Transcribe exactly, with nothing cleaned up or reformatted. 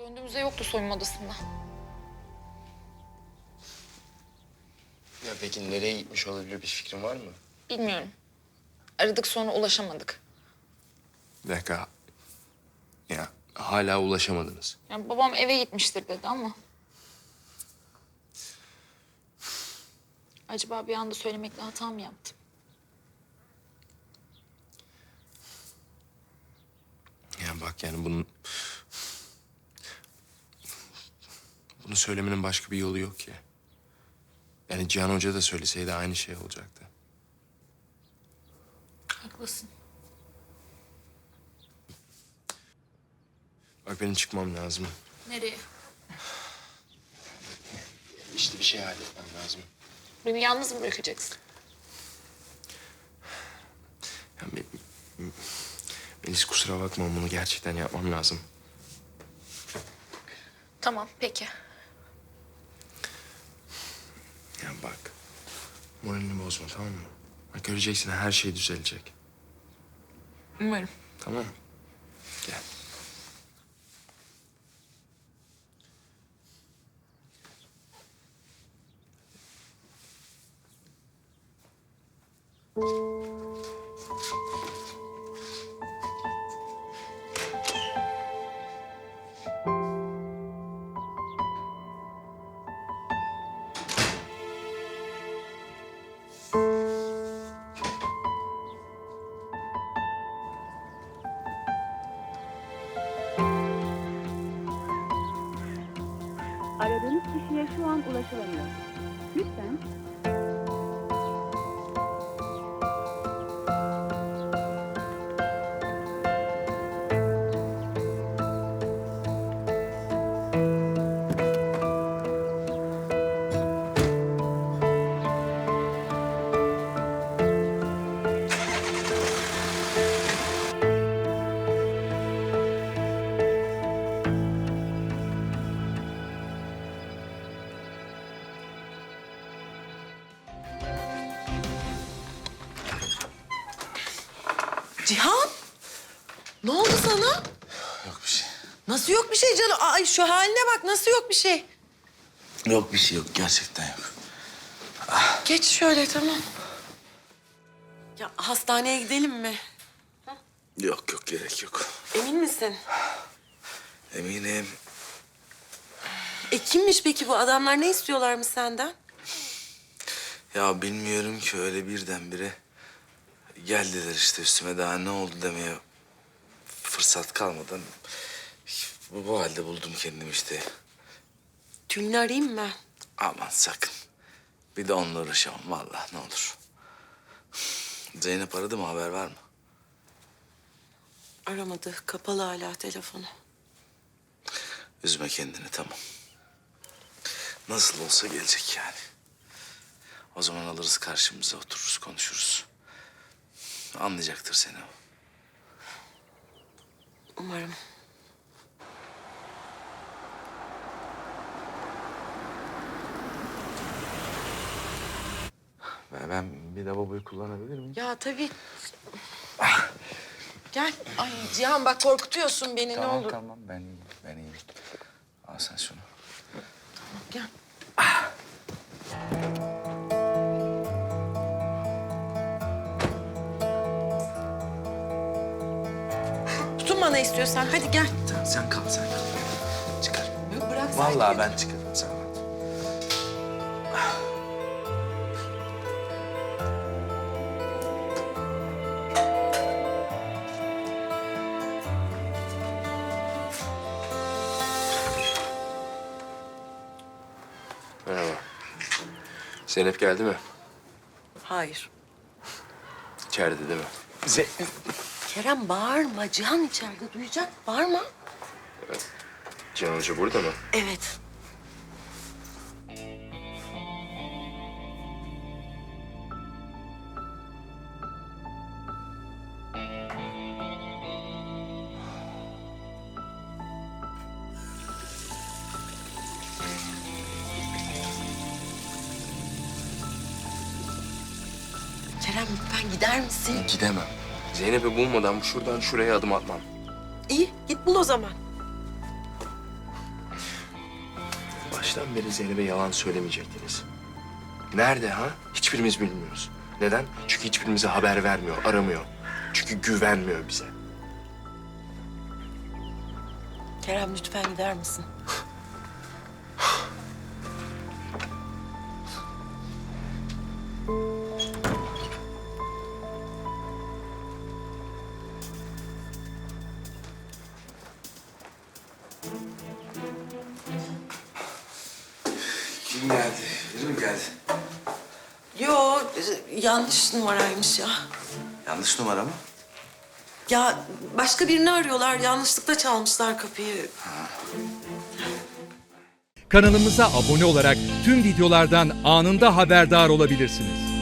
Döndüğümüzde yoktu soyunma odasında. Ya peki nereye gitmiş olabilir, bir fikrin var mı? Bilmiyorum. Aradık sonra ulaşamadık. Bir dakika. Ya hala ulaşamadınız. Yani babam eve gitmiştir dedi ama. Acaba bir anda söylemekle hata mı yaptım? Ya bak yani bunun... Bunu söylemenin başka bir yolu yok ki. Yani Cihan Hoca da söyleseydi aynı şey olacaktı. Haklısın. Bak benim çıkmam lazım. Nereye? İşte bir şey halletmem lazım. Beni yalnız mı bırakacaksın? Ya, Me- Melis kusura bakma, bunu gerçekten yapmam lazım. Tamam, peki. Ya bak, moralini bozma, tamam mı? Bak göreceksin, her şey düzelecek. Umarım. Tamam mı? Gel. Aradığınız kişiye şu an ulaşılamıyor. Lütfen Cihan, ne oldu sana? Yok bir şey. Nasıl yok bir şey canım? Ay şu haline bak, nasıl yok bir şey? Yok bir şey yok. Gerçekten yok. Geç şöyle, tamam. Ya hastaneye gidelim mi? Yok yok gerek yok. Emin misin? Eminim. E kimmiş peki bu adamlar? Ne istiyorlarmış senden? Ya bilmiyorum ki, öyle birdenbire geldiler işte üstüme, daha ne oldu demeye fırsat kalmadan bu, bu halde buldum kendimi işte. Tülin'i arayayım mı? Aman sakın. Bir de onunla uğraşamam vallahi, ne olur. Zeynep aradı mı, haber var mı? Aramadı, kapalı hala telefonu. Üzme kendini, tamam. Nasıl olsa gelecek yani. O zaman alırız karşımıza, otururuz, konuşuruz. Anlayacaktır seni o. Umarım. Ben, ben bir lavaboyu kullanabilir miyim? Ya tabii. Gel. Ay Cihan bak korkutuyorsun beni, ne olur. Tamam ben iyiyim, ben iyiyim. Al sen şunu. Gel. Tutunma ne istiyorsan, hadi gel. Sen, sen kal, sen kal. Çıkar. Yok, bırak sen Vallahi git. ben çıkarım, sen rahat ol. Merhaba. Zeynep geldi mi? Hayır. İçeride değil mi? Kerem bağırma. Cihan içeride duyacak. Bağırma. Cihan Hoca burada mı? Evet. Kerem lütfen gider misin? Gidemem. Zeynep'i bulmadan şuradan şuraya adım atmam. İyi, git bul o zaman. baştan beri Zeynep'e yalan söylemeyecektiniz? Nerede ha? Hiçbirimiz bilmiyoruz. Neden? Çünkü hiçbirimize haber vermiyor, aramıyor. Çünkü güvenmiyor bize. Kerem lütfen gider misin? Kim geldi? Biri mi geldi? Yo, yanlış numaraymış ya. Yanlış numara mı? Ya başka birini arıyorlar. Yanlışlıkla çalmışlar kapıyı. Kanalımıza abone olarak tüm videolardan anında haberdar olabilirsiniz.